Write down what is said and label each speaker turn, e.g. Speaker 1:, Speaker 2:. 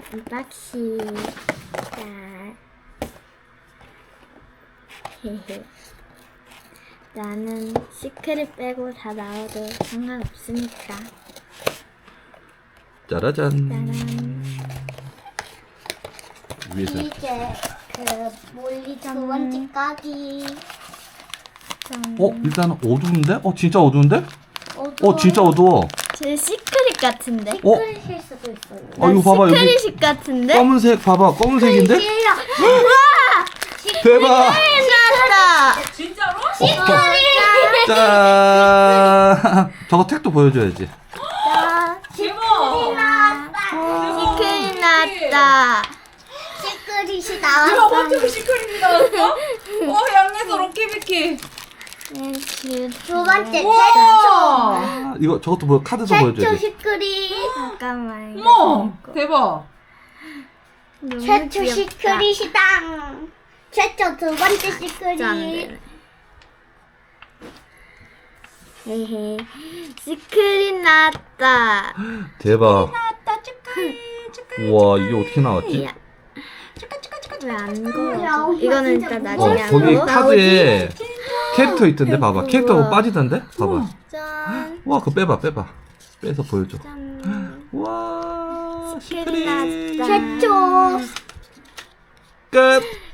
Speaker 1: 언박싱. 자, 헤헤. 나는 시크릿 빼고 다 나와도 상관없으니까.
Speaker 2: 짜라잔.
Speaker 1: 짜란.
Speaker 2: 위에서.
Speaker 3: 이제 그 몰리 두 번째 까기.
Speaker 1: 짠.
Speaker 2: 일단 어두운데? 진짜 어두운데?
Speaker 3: 어두워.
Speaker 2: 진짜 어두워.
Speaker 1: 제 시크릿 같은데?
Speaker 3: 시크릿일 수도 있어요.
Speaker 2: 이거 봐봐, 여기
Speaker 1: 시크릿 같은데?
Speaker 2: 검은색 봐봐, 검은색인데?
Speaker 3: 시크릿이야.
Speaker 2: 대박!
Speaker 1: 나왔다.
Speaker 4: 진짜로?
Speaker 2: 짠! 저거 택도 보여줘야지.
Speaker 1: 자,
Speaker 4: 대박!
Speaker 1: 시크릿 나왔다.
Speaker 3: 시크릿이
Speaker 4: 내가
Speaker 3: 나왔어.
Speaker 4: 먼저 시크릿이 나왔어? 양에서 럭키비키.
Speaker 3: 두 번째
Speaker 4: 우와!
Speaker 2: 이거 저것도 카드도
Speaker 3: 최초
Speaker 2: 보여줘야지.
Speaker 3: 시크릿.
Speaker 1: 잠깐만.
Speaker 4: 어머! 대박!
Speaker 1: 너무
Speaker 3: 최초
Speaker 1: 귀엽다.
Speaker 3: 시크릿이다. 최초 두 번째
Speaker 1: 진짜 안
Speaker 3: 시크릿.
Speaker 1: 되네. 헤헤. 시크릿 나왔다.
Speaker 2: 대박.
Speaker 4: 나왔다 축하해 축하해.
Speaker 2: 우와, 이게 어떻게 나왔지?
Speaker 1: 야,
Speaker 4: 축하 축하 축하.
Speaker 1: 왜안 걸어?
Speaker 3: 야,
Speaker 1: 이거는
Speaker 3: 진짜
Speaker 1: 일단
Speaker 3: 무거워.
Speaker 1: 나중에 안
Speaker 2: 거기
Speaker 1: 걸어.
Speaker 2: 카드에 캐릭터 있던데, 봐봐.
Speaker 1: 우와.
Speaker 2: 캐릭터가 빠지던데? 봐봐.
Speaker 1: 짠.
Speaker 2: 와, 그거 빼봐. 빼서 보여줘.
Speaker 1: 짠.
Speaker 2: 우와,
Speaker 1: 시크릿
Speaker 2: 시크릿.
Speaker 1: 나왔다.
Speaker 3: 최초.
Speaker 2: 끝.